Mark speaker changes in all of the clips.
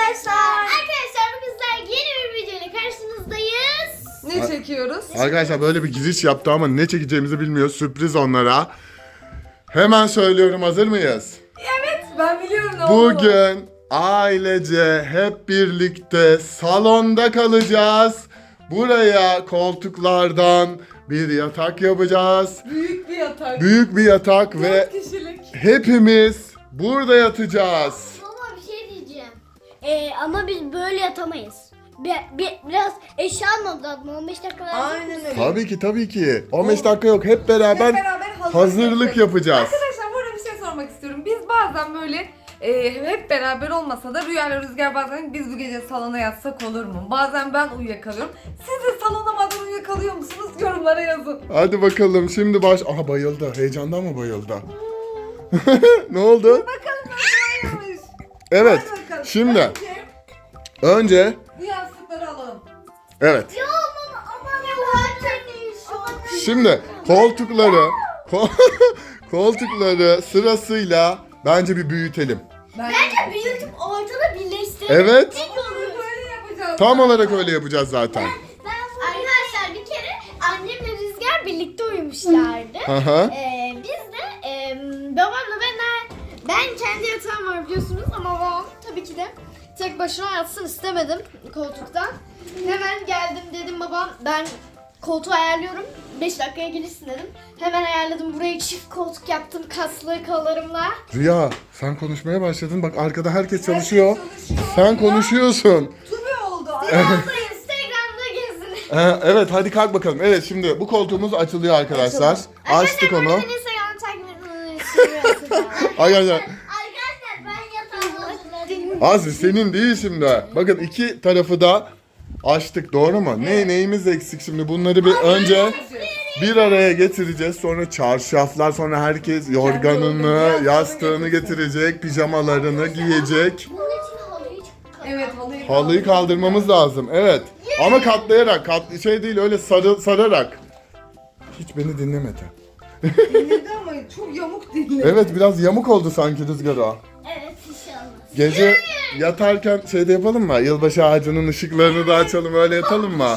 Speaker 1: arkadaşlar. Arkadaşlar bugün sizlerle yeni bir videoyla karşınızdayız.
Speaker 2: Ne çekiyoruz?
Speaker 3: Arkadaşlar böyle bir giriş yaptı ama ne çekeceğimizi bilmiyor. Sürpriz onlara. Hemen söylüyorum, hazır mıyız?
Speaker 2: Evet, ben biliyorum ne olduğunu.
Speaker 3: Bugün ailece hep birlikte salonda kalacağız. Buraya koltuklardan bir yatak yapacağız.
Speaker 2: Büyük bir yatak.
Speaker 3: Büyük bir yatak
Speaker 2: 4
Speaker 3: ve
Speaker 2: kişilik.
Speaker 3: hepimiz burada yatacağız.
Speaker 1: Ama bir şey diyeceğim. Ama biz böyle yatamayız. Biraz eşya almamız lazım. 15 dakika lazım.
Speaker 2: Aynen öyle.
Speaker 3: Tabii ki. 15 dakika yok. Hep beraber hazırlık yapacağız.
Speaker 2: Arkadaşlar burada bir şey sormak istiyorum. Biz bazen böyle hep beraber olmasa da Rüya ile Rüzgar bazen biz bu gece salona yatsak olur mu? Bazen ben uyuyakalıyorum. Siz de salonamadan uyuyakalıyor musunuz? Yorumlara yazın.
Speaker 3: Hadi bakalım şimdi Aha, bayıldı. Heyecandan mı bayıldı? Ne oldu?
Speaker 2: Bakalım nasıl uyuyormuş.
Speaker 3: Evet.
Speaker 2: Hadi bakalım.
Speaker 3: Şimdi önce
Speaker 2: Bu yastıkları alalım.
Speaker 3: evet.
Speaker 1: Ya ama ne
Speaker 3: Şimdi koltukları sırasıyla bence bir büyütelim.
Speaker 1: Bence büyütüp ortada birleştirelim.
Speaker 3: Evet.
Speaker 2: Böyle yapacağız.
Speaker 3: Tam olarak öyle yapacağız zaten.
Speaker 1: Arkadaşlar bir kere annemle Rüzgar birlikte uyumuşlardı.
Speaker 3: Aha.
Speaker 1: Biz de babamla ben kendi yatağım var biliyorsunuz ama babam tabii ki de tek başına yatsın istemedim koltukta. Hemen geldim dedim babam ben koltuğu ayarlıyorum 5 dakikaya gelirsin dedim. Hemen ayarladım burayı çift koltuk yaptım kaslı kollarımla.
Speaker 3: Rüya sen konuşmaya başladın. Bak arkada herkes çalışıyor. Sen konuşuyorsun.
Speaker 2: Tübe oldu.
Speaker 1: Instagram'da gezin.
Speaker 3: Evet hadi kalk bakalım. Evet şimdi bu koltuğumuz açılıyor arkadaşlar. Açtık onu.
Speaker 1: Arkadaşlar Instagram'ı takip etmeyi
Speaker 3: Arkadaşlar
Speaker 1: Arkadaşlar ben yatağımı hazırladım.
Speaker 3: Azri senin değil şimdi. Bakın iki tarafı da açtık, doğru mu? Neyimiz eksik şimdi? Bunları bir önce bir araya getireceğiz. Sonra çarşaflar, sonra herkes yorganını, yastığını getirecek, pijamalarını giyecek.
Speaker 1: Bunun için halıyı
Speaker 2: Evet
Speaker 3: Halıyı kaldırmamız lazım. Evet. Ama katlayarak, şey değil öyle sararak. Hiç beni dinlemedi.
Speaker 2: dinledi ama çok yamuk dinledi.
Speaker 3: Evet biraz yamuk oldu sanki Rüzgar o.
Speaker 1: Evet inşallah.
Speaker 3: Gece yatarken şey de yapalım mı? Yılbaşı ağacının ışıklarını da açalım, öyle yatalım mı?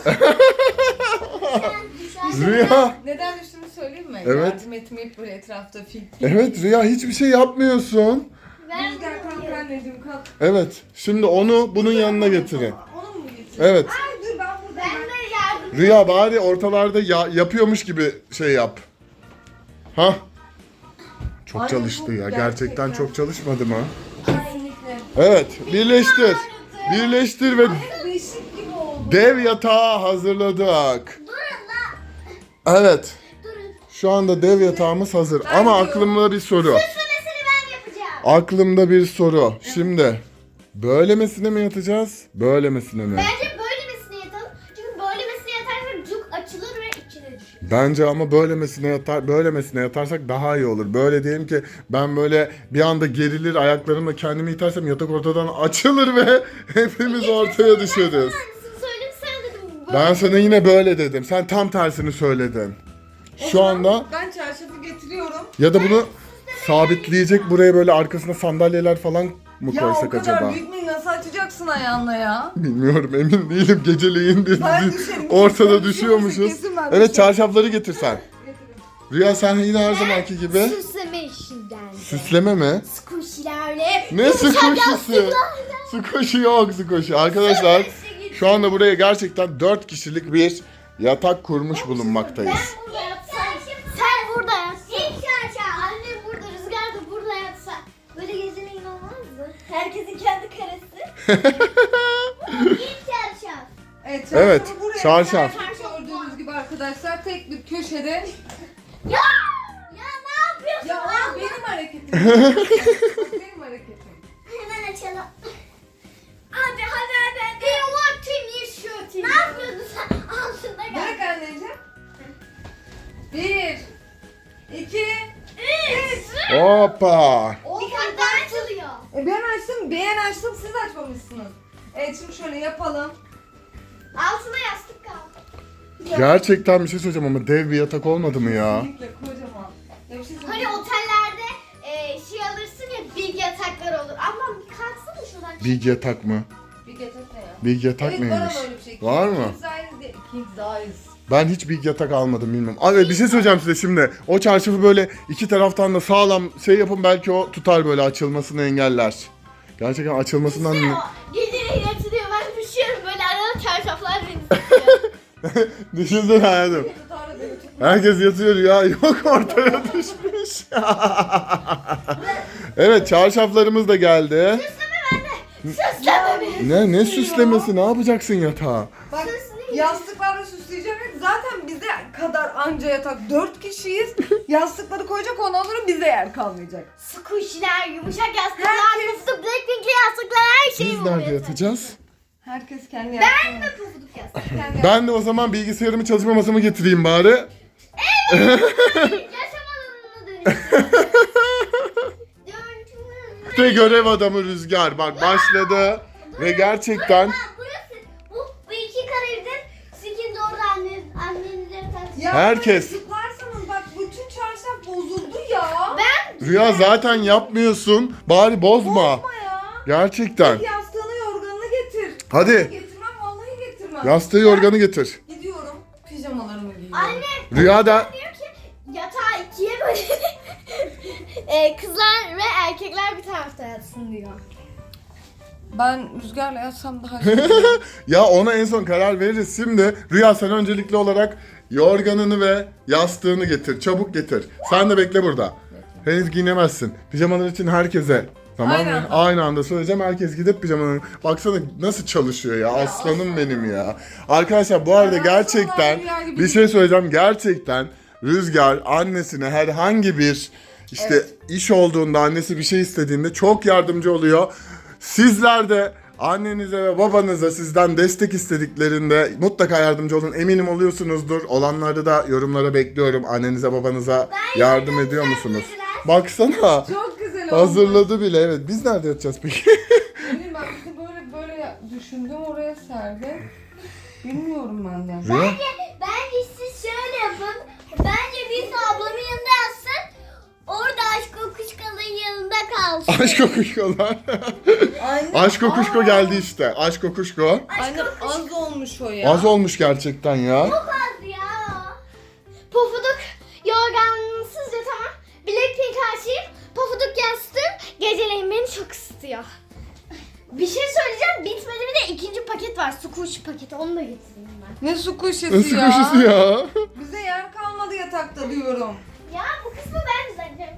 Speaker 3: Rüya.
Speaker 2: Neden düştüğünü söyleyeyim mi?
Speaker 3: Evet.
Speaker 2: Yardım etmeyip böyle etrafta fil.
Speaker 3: Evet Rüya hiçbir şey yapmıyorsun.
Speaker 2: Rüzgar kalk anneciğim kalk.
Speaker 3: Evet. Şimdi onu bunun yanına getirin.
Speaker 2: Onu mu getireyim?
Speaker 3: Evet.
Speaker 2: Ay dur ben burada.
Speaker 1: Ben de yardım.
Speaker 3: Rüya bari ortalarda yapıyormuş gibi şey yap. Ha? Çok
Speaker 2: Ay,
Speaker 3: çalıştı
Speaker 2: çok
Speaker 3: ya. Gerçekten
Speaker 2: gerçekten.
Speaker 3: çok çalışmadı mı?
Speaker 2: Kesinlikle.
Speaker 3: Evet. Birleştir. Birleştir ve
Speaker 2: Beşik gibi oldu.
Speaker 3: dev yatağı hazırladık.
Speaker 1: Durun lan.
Speaker 3: Evet.
Speaker 1: Durun.
Speaker 3: Şu anda dev yatağımız hazır. Ama aklımda bir soru.
Speaker 1: Süslemesini ben yapacağım.
Speaker 3: Aklımda bir soru. Şimdi böylemesine mi yatacağız? Böylemesine mi?
Speaker 1: Bence böylemesine yatalım. Çünkü böylemesine yatarsak cuk açılır ve içine düşer.
Speaker 3: Bence ama böylemesine yatarsak daha iyi olur. Böyle diyelim ki ben böyle bir anda gerilir ayaklarımla kendimi itersem yatak ortadan açılır ve hepimiz ortaya düşeriz.
Speaker 1: Aynısını söyledim sen dedim.
Speaker 3: Ben sana yine böyle dedim. Sen tam tersini söyledin. Şu anda
Speaker 2: Ben çarşafı getiriyorum.
Speaker 3: ya da bunu sabitleyecek buraya böyle arkasına sandalyeler falan mı
Speaker 2: Ya o
Speaker 3: koysak
Speaker 2: kadar
Speaker 3: acaba?
Speaker 2: büyük mü nasıl açacaksın ayağınla ya?
Speaker 3: Bilmiyorum, emin değilim. Geceleyin
Speaker 2: Ben düşerim.
Speaker 3: ortada
Speaker 2: Kesin
Speaker 3: düşüyormuşuz.
Speaker 2: kesin ben
Speaker 3: Evet,
Speaker 2: düşerim.
Speaker 3: çarşafları getir sen. Rüya sen yine her zamanki gibi.
Speaker 1: Süsleme işinden.
Speaker 3: Süsleme mi?
Speaker 1: Squishy'lerle.
Speaker 3: Ne squishy'si? Squishy yok, squishy. Arkadaşlar şu anda buraya gerçekten 4 kişilik bir yatak kurmuş bulunmaktayız.
Speaker 1: Ben burada yatsam. Sen burada yatsan. İlk çarşaf. Annem burada, Rüzgar da burada yatsa. Böyle gezine inanmazdı. Herkesin kendi karesi. İlk çarşaf.
Speaker 2: Evet,
Speaker 3: Evet,
Speaker 2: çarşafı buraya
Speaker 3: çarşaf.
Speaker 2: koyduk. Gördüğünüz gibi arkadaşlar tek bir köşede.
Speaker 1: Ya! Ya ne yapıyorsun?
Speaker 2: Ya o
Speaker 1: Allah?
Speaker 2: benim hareketim. Benim hareketim.
Speaker 1: Hemen açalım. Hadi. Ne yapıyorsun sen? Altında gel.
Speaker 2: Bırak anneciğim. 1 2 3
Speaker 3: Hoppa.
Speaker 1: Dikkatli açılıyor.
Speaker 2: Ben açtım siz açmamışsınız. Evet şimdi şöyle yapalım.
Speaker 1: Altına yastık kaldı.
Speaker 3: Gerçekten bir şey söyleyeceğim ama dev bir yatak olmadı mı ya?
Speaker 2: Kesinlikle kocaman. Ya bir şey
Speaker 1: Hani
Speaker 2: söyleyeyim.
Speaker 1: otellerde şey alırsın ya big yataklar olur. Ama kalksana şuradan
Speaker 3: Big yatak mı?
Speaker 2: Bir yatak ne ya?
Speaker 3: Big yatak
Speaker 2: Evet
Speaker 3: neymiş?
Speaker 2: var ama öyle bir şey.
Speaker 3: Var mı?
Speaker 2: King size değil, King size.
Speaker 3: Ben hiç big yatak almadım bilmem. Abi bir şey söyleyeceğim size şimdi. O çarşafı böyle iki taraftan da sağlam şey yapın, belki o tutar, böyle açılmasını engeller. Gerçekten açılmasından
Speaker 1: İşte
Speaker 3: mı?
Speaker 1: o geceleri yatırıyor, ben düşüyorum böyle arada çarşaflar beni tutuyor.
Speaker 3: Düşünsene hayatım.
Speaker 2: Tutarla beni tutma.
Speaker 3: Herkes yatıyor ya, yok ortaya düşmüş. Evet, çarşaflarımız da geldi.
Speaker 1: Süsleme bende. Süsleme beni.
Speaker 3: Ne süslemesi, ne yapacaksın yatağa?
Speaker 2: Bak
Speaker 1: Süsleyeyim.
Speaker 2: yastıklarla süsleyeceğim. Zaten bize kadar anca yatak. 4 kişiyiz. Yastıkları koyacak, ondan sonra bize yer kalmayacak.
Speaker 1: Squishy'ler, yumuşak yastıklar,
Speaker 2: Herkes-
Speaker 1: pufuduk, Blackpink'li yastıklar, her şey
Speaker 3: Biz
Speaker 1: oluyor.
Speaker 3: nerede yatacağız?
Speaker 2: Herkes kendi yastığını.
Speaker 1: Ben de pufuduk yastık.
Speaker 2: Kendi
Speaker 3: Ben de o zaman bilgisayarımı, çalışma masamı getireyim bari.
Speaker 1: Yaşam alanına dönüştüm.
Speaker 3: Ve görev adamı Rüzgar bak başladı. Ve gerçekten
Speaker 1: Burası, bu iki karedir. Sizin de orada annenize yatarsınız.
Speaker 2: Ya
Speaker 3: Herkes.
Speaker 2: böyle zıplarsanız bak bütün çarşaf bozuldu ya.
Speaker 3: Rüya zaten yapmıyorsun. Bari bozma.
Speaker 2: Bozma ya.
Speaker 3: Gerçekten.
Speaker 2: Yastığını yorganını getir.
Speaker 3: Hadi
Speaker 2: Getirmem vallahi getirmem.
Speaker 3: yastığı yorganı getir.
Speaker 2: Gidiyorum. Pijamalarımı giyiyorum.
Speaker 1: Anne
Speaker 3: Rüya da
Speaker 1: diyor ki yatağı ikiye bölelim. Kızlar ve erkekler bir tarafta yatsın diyor.
Speaker 2: Ben Rüzgar'la yatsam daha iyi.
Speaker 3: ya ona en son karar veririz. Şimdi Rüya sen öncelikli olarak yorganını ve yastığını getir. Çabuk getir. Sen de bekle burada. Henüz giyinemezsin. Pijamalar için herkese. Tamam
Speaker 2: Aynı
Speaker 3: mı?
Speaker 2: anda.
Speaker 3: Aynı anda söyleyeceğim. Herkes gidip pijamalarını... Baksana nasıl çalışıyor ya. Aslanım benim ya. Arkadaşlar bu arada
Speaker 2: Ya,
Speaker 3: gerçekten
Speaker 2: Rüya gibi
Speaker 3: bir şey söyleyeceğim. Gerçekten Rüzgar annesine herhangi bir işte
Speaker 2: Evet.
Speaker 3: iş olduğunda, annesi bir şey istediğinde çok yardımcı oluyor. Sizler de annenize ve babanıza sizden destek istediklerinde mutlaka yardımcı olun. Eminim oluyorsunuzdur. Olanları da yorumlara bekliyorum. Annenize babanıza yardım ediyor musunuz? Baksana.
Speaker 2: Çok güzel oldu.
Speaker 3: Hazırladı bile. Evet. Biz nerede yatacağız peki?
Speaker 2: Bilmiyorum, ben bizi böyle düşündüm, oraya serdim. Bilmiyorum ben de.
Speaker 3: Rüya?
Speaker 1: Bence siz şöyle yapın. Bence biz ablamın yanında yatsın. Orada aşk kokuşkalın yanında kalsın.
Speaker 3: Aşk kokuşkolar.
Speaker 2: Anne,
Speaker 3: Aşk kokuşko geldi işte. Aşk kokuşko.
Speaker 2: Anne az olmuş o ya.
Speaker 3: Az olmuş gerçekten ya.
Speaker 1: Az ya. Pofuduk yorgansız yatamam. Blackpink açayım. Pofuduk yastığım geceleyin beni çok ısıtıyor. Bir şey söyleyeceğim, bitmedi, bir de ikinci paket var. Squishy paketi, onu da getireyim ben.
Speaker 2: Ne su kuşesi
Speaker 3: Nasıl
Speaker 2: ya.
Speaker 3: kuşusu ya?
Speaker 2: Bize yer kalmadı yatakta diyorum.
Speaker 1: Ya bu kısmı ben düzenleyeceğim.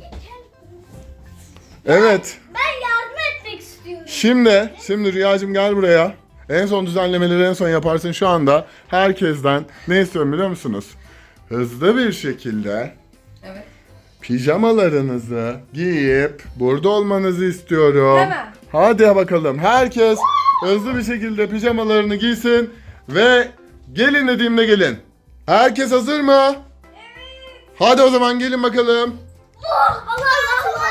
Speaker 3: Evet.
Speaker 1: Ben yardım etmek istiyorum.
Speaker 3: Şimdi Rüyacığım gel buraya. En son düzenlemeleri en son yaparsın şu anda. Herkesten ne istiyorum biliyor musunuz? Hızlı bir şekilde
Speaker 2: Evet.
Speaker 3: pijamalarınızı giyip burada olmanızı istiyorum.
Speaker 2: Hemen.
Speaker 3: Hadi bakalım. Herkes hızlı bir şekilde pijamalarını giysin ve gelin dediğimde gelin. Herkes hazır mı? Evet. Hadi o zaman gelin bakalım.
Speaker 1: Allah Allah.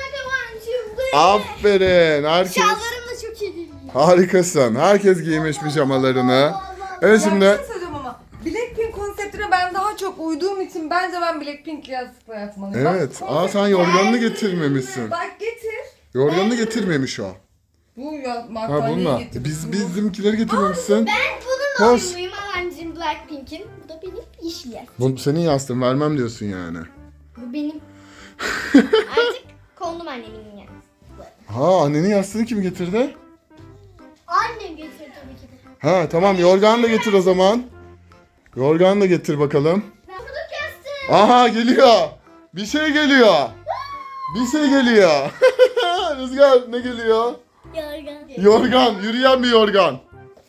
Speaker 3: Aferin. Herkes
Speaker 1: Şalvarım da çok iyi değil.
Speaker 3: harikasın. Herkes giymiş pijamalarını. Evet
Speaker 2: Ya
Speaker 3: şimdi
Speaker 2: bir şey söyleyeceğim ama Blackpink konseptine ben daha çok uyduğum için bence ben Blackpink'li yastıkla yatmalıyım.
Speaker 3: evet.
Speaker 2: Bak,
Speaker 3: Aa sen yorganını getirmemişsin.
Speaker 2: Bak getir.
Speaker 3: Yorganını getirmemiş o.
Speaker 2: Bu ya
Speaker 3: Ha
Speaker 2: battaniyeyi
Speaker 3: bununla.
Speaker 2: getir.
Speaker 3: Bizimkileri getirmemişsin.
Speaker 1: Ben bununla
Speaker 3: Koş.
Speaker 1: uyumluyum Alancığım, Blackpink'in. Bu da benim yeşil yastığım.
Speaker 3: Bu senin yastığın, vermem diyorsun yani.
Speaker 1: Bu benim. Artık kondum annemin yani.
Speaker 3: Ha annenin yastığını kim getirdi?
Speaker 1: Annem getirdi tabii ki de.
Speaker 3: Ha tamam, yorganı da getir o zaman. Yorganı da getir bakalım.
Speaker 1: Pofuduk yastığı.
Speaker 3: Aha geliyor. Bir şey geliyor. Bir şey geliyor. Rüzgar ne geliyor?
Speaker 1: Yorgan.
Speaker 3: Yorgan, yürüyen bir yorgan.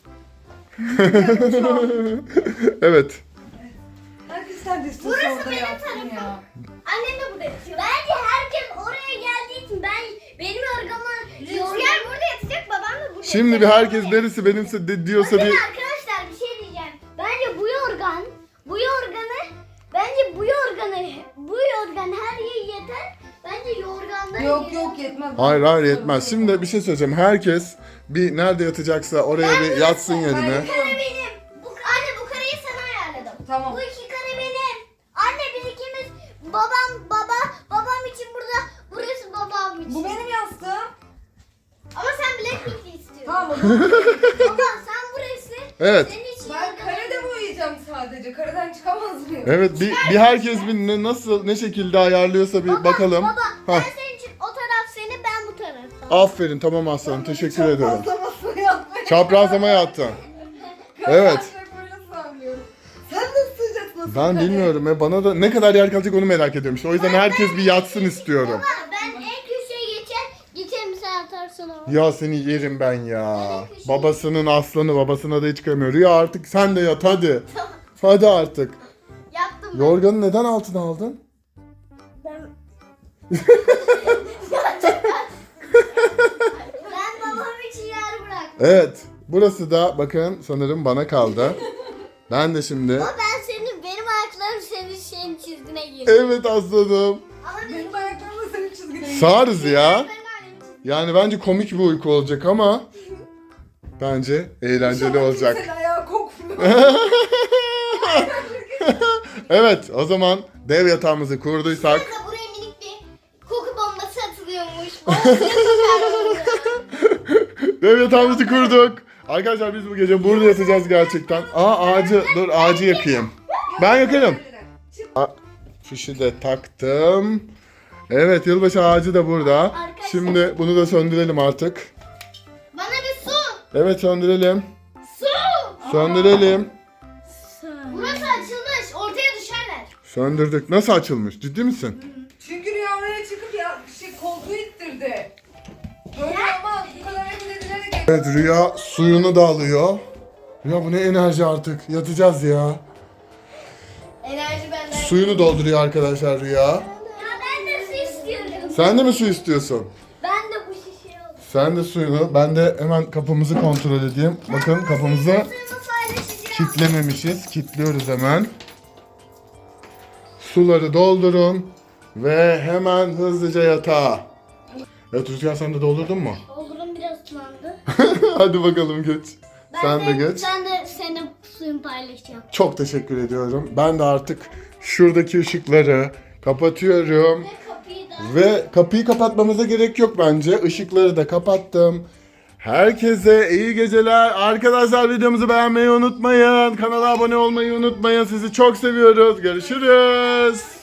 Speaker 3: Evet.
Speaker 2: Herkes neredesin?
Speaker 1: Burası
Speaker 2: orada
Speaker 1: benim
Speaker 2: yatsın
Speaker 1: tarafım.
Speaker 2: ya.
Speaker 1: Annem de burada yatıyor. Bence herkes oraya geldiği için benim yorganı... Rüzgar burada yatacak, babam da burada
Speaker 3: Şimdi bir
Speaker 1: yatacak.
Speaker 3: herkes neresi benimse diyorsa
Speaker 1: Bakın
Speaker 3: bir...
Speaker 1: arkadaşlar, bir şey diyeceğim. Bence bu yorgan her yere yeter. Bence yorgandan
Speaker 2: Yok yetmez.
Speaker 3: Hayır yetmez. Şimdi bir şey söyleyeceğim. Herkes bir nerede yatacaksa oraya bir yatsın yerine.
Speaker 1: Bu kare benim. Anne bu kareyi sana ayarladım.
Speaker 2: Tamam.
Speaker 1: Bu iki kare benim. Anne biz ikimiz babam için burada, burası babam için.
Speaker 2: Bu benim yastığım.
Speaker 1: Ama sen Blackpink değilsin. Baba sen burası.
Speaker 3: Evet.
Speaker 1: Senin için
Speaker 2: Ben karede mi uyuyacağım sadece? Kareden çıkamaz mıyım?
Speaker 3: Evet bir herkes bir nasıl ne şekilde ayarlıyorsa bir bakalım.
Speaker 1: Baba ben
Speaker 3: Hah.
Speaker 1: senin için o taraf seni, ben bu taraf.
Speaker 3: Aferin tamam aslanım teşekkür ederim.
Speaker 2: Çaprazlamasını yapmaya.
Speaker 3: Çaprazlama yattın. Evet.
Speaker 2: Böyle sanıyorum. Sen nasıl sığacaksın? Nasıl
Speaker 3: Ben
Speaker 2: kareye?
Speaker 3: bilmiyorum ya bana da ne kadar yer kalacak onu merak ediyorum işte. O yüzden herkes bir yatsın istiyorum.
Speaker 1: Baba ben en köşeye geçerim sen atarsın o.
Speaker 3: Ya seni yerim ben ya. Babasının aslanı babasına da hiç kıyamıyor. Rüya artık sen de yat hadi. Hadi artık.
Speaker 1: Yattım ben.
Speaker 3: Yorganı neden altına aldın?
Speaker 1: Ben babam için yer bıraktım.
Speaker 3: Evet. Burası da bakın sanırım bana kaldı. Ben de şimdi.
Speaker 1: Ama benim ayaklarım senin çizgine girdi.
Speaker 3: Evet aslanım.
Speaker 1: Ama
Speaker 2: Benim ayaklarımla senin çizgine
Speaker 3: Sağırız ya.
Speaker 1: benim ayağım çizgine.
Speaker 3: Yani bence komik bir uyku olacak ama bence eğlenceli olacak.
Speaker 2: Kimsenin ayağı kokmuyor.
Speaker 3: Evet o zaman dev yatağımızı kurduysak
Speaker 1: Burada buraya minik bir koku bombası atılıyormuş. Bombası sokarlar.
Speaker 3: dev yatağımızı kurduk. Arkadaşlar biz bu gece burada yatacağız gerçekten. Dur ağacı yakayım. Ben yakarım. Fişi de taktım. Evet yılbaşı ağacı da burada.
Speaker 1: Arkadaşlar.
Speaker 3: Şimdi bunu da söndürelim artık.
Speaker 1: Bana bir su.
Speaker 3: Evet söndürelim.
Speaker 1: Su.
Speaker 3: Söndürelim.
Speaker 1: Burası açılmış. Ortaya düşerler.
Speaker 3: Söndürdük. Nasıl açılmış? Ciddi misin?
Speaker 2: Çünkü Rüya oraya çıkıp ya koltuğu ittirdi. Böyle ama bu kadar emin edilerek
Speaker 3: Evet Rüya suyunu da alıyor. Rüya bu ne enerji artık. Yatacağız ya.
Speaker 1: Enerji benden.
Speaker 3: Suyunu dolduruyor arkadaşlar Rüya.
Speaker 1: Ya ben de su istiyorum.
Speaker 3: Sen de mi su istiyorsun?
Speaker 1: Ben de bu şişeyi alayım.
Speaker 3: Sen de suyunu. Ben de hemen kapımızı kontrol edeyim. Bakın kapımızı
Speaker 1: Suyumu paylaşacağım.
Speaker 3: kilitlememişiz. Kilitliyoruz hemen. Suları doldurun. Ve hemen hızlıca yatağa. Evet Rüzgar sen de doldurdun mu?
Speaker 1: Olurum biraz ıslandı.
Speaker 3: Hadi bakalım geç. Sen de geç.
Speaker 1: Ben de senin suyunu paylaşacağım.
Speaker 3: Çok teşekkür ediyorum. Ben de artık şuradaki ışıkları kapatıyorum.
Speaker 1: Ve kapıyı da.
Speaker 3: Ve kapıyı kapatmamıza gerek yok bence. Işıkları da kapattım. Herkese iyi geceler. Arkadaşlar videomuzu beğenmeyi unutmayın. Kanala abone olmayı unutmayın. Sizi çok seviyoruz. Görüşürüz.